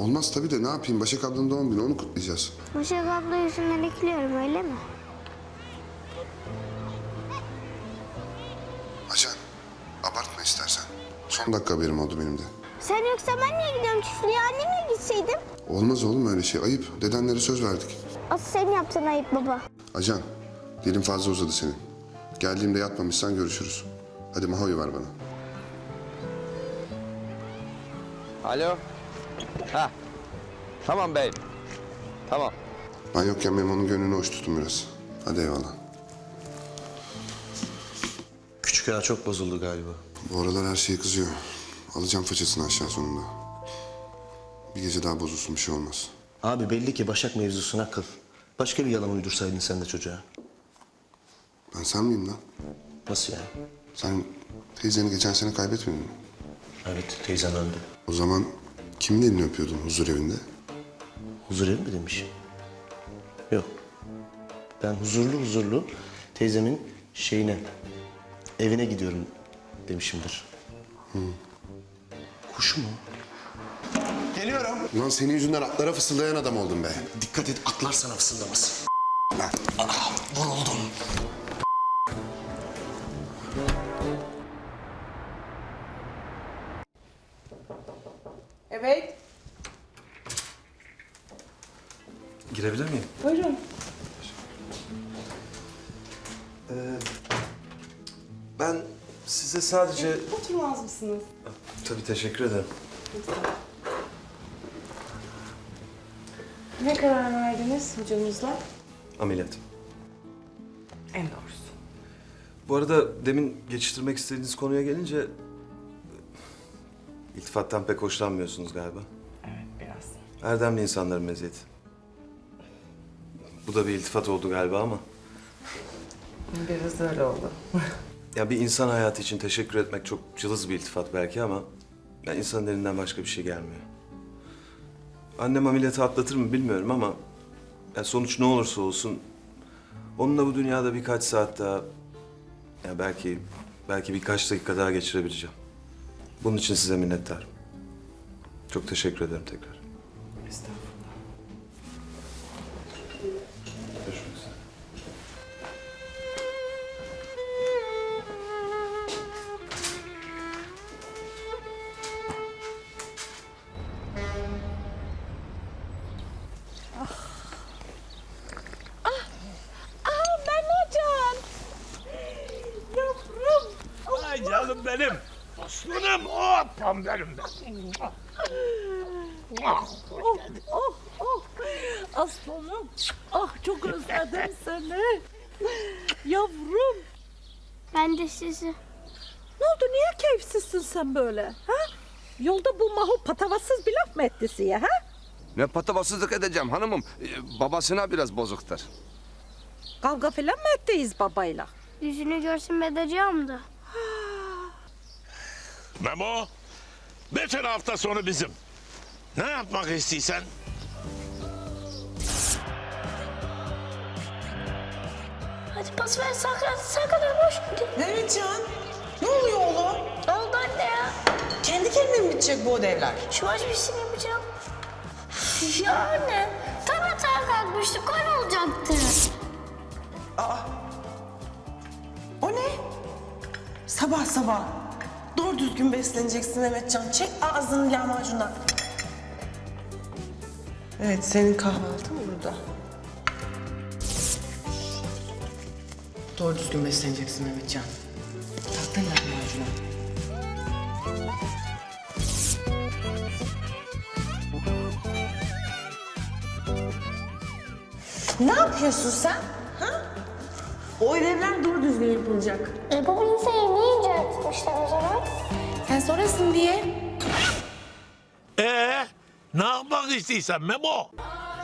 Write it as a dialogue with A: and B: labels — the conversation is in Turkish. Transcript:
A: Olmaz tabii de ne yapayım? Başak ablanın doğum günü, onu kutlayacağız.
B: Başak abla yüzünden ekliyorum öyle mi?
A: Acan, abartma istersen. Son dakika haberim oldu benim de.
B: Sen yoksa ben niye gidiyorum çiftliğe? Annemle gitseydim.
A: Olmaz oğlum öyle şey. Ayıp. Dedenlere söz verdik.
B: Asıl sen yaptın ayıp baba.
A: Acan, dilin fazla uzadı senin. Geldiğimde yatmamışsan görüşürüz. Hadi Maho'yu ver bana.
C: Alo. Ha. Tamam beyim. Tamam.
A: Ben yokken Memo'nun gönlünü hoş tutun biraz. Hadi eyvallah.
D: Küçük ağa çok bozuldu galiba.
A: Bu aralar her şeye kızıyor. Alacağım façasını aşağı sonunda. Bir gece daha bozulsun, bir şey olmaz.
D: Abi belli ki Başak mevzusuna kıl. Başka bir yalan uydursaydın sen de çocuğa.
A: Ben sen miyim lan?
D: Nasıl yani?
A: Sen teyzeni geçen sene kaybetmedin mi?
D: Evet, teyzen öldü.
A: O zaman kimin elini öpüyordun huzur evinde?
D: Huzur evi mi demiş? Yok. Ben huzurlu teyzemin evine gidiyorum demişimdir. Kuşu mu? Geliyorum.
A: Ulan senin yüzünden atlara fısıldayan adam oldum be.
D: Dikkat et, atlar sana fısıldamasın.
A: Lan.
D: Vuruldum.
E: Evet,
F: Girebilir miyim?
E: buyurun.
F: Ben size sadece...
E: Oturmaz mısınız?
F: Tabii teşekkür ederim.
E: Ne karar verdiniz hocamızla?
F: Ameliyat.
E: En doğrusu.
F: Bu arada demin geçiştirmek istediğiniz konuya gelince... İltifattan pek hoşlanmıyorsunuz galiba.
E: Evet, biraz.
F: Erdemli insanların meziyeti. Bu da bir iltifat oldu galiba ama...
E: Biraz öyle oldu.
F: Ya bir insan hayatı için teşekkür etmek çok cılız bir iltifat belki ama... Ya insanın elinden başka bir şey gelmiyor. Annem ameliyatı atlatır mı bilmiyorum ama... Ya sonuç ne olursa olsun... Onunla bu dünyada birkaç saat daha... Ya belki birkaç dakika daha geçirebileceğim. Bunun için size minnettarım. Çok teşekkür ederim tekrar.
E: Estağfurullah.
F: Görüşmek üzere.
G: Mehmetcan! Yavrum!
H: Ay canım benim. Aslanım, hopam benim de.
G: Oh! Aslanım! Ah çok özledim seni. Yavrum!
B: Ben de sizi.
G: Ne oldu? Niye keyifsizsin sen böyle? Ha? Yolda bu Mahu patavatsız bir laf mı etti size ha?
C: Ne patavatsızlık edeceğim hanımım. Babasına biraz bozuktur.
G: Kavga falan mı ettiyiz babayla?
B: Yüzünü görsün bedacığım da.
H: Memo, bütün hafta sonu bizim. Ne yapmak istiyorsan?
B: Hadi pas ver sakın boş.
E: Mehmetcan, ne oluyor oğlum?
B: Ne oldu anne ya?
E: Kendi kendine mi bitecek bu ödevler?
B: Şu aç bir şey yapacağım. Ya anne, tam hata kalkmıştık, gol olacaktı.
E: O ne? Sabah sabah. Doğru düzgün besleneceksin Mehmetcan. Çek ağzını lahmacundan. Evet, senin kahvaltın burada. Doğru düzgün besleneceksin Mehmetcan. Taktın lahmacuna. Ne yapıyorsun sen? Ha? O ödevler doğru düzgün yapılacak.
B: Baba insan yemeği inceltmişler o zaman.
E: Sen sonrasın diye.
H: Ne yapmak istiyorsan Memo?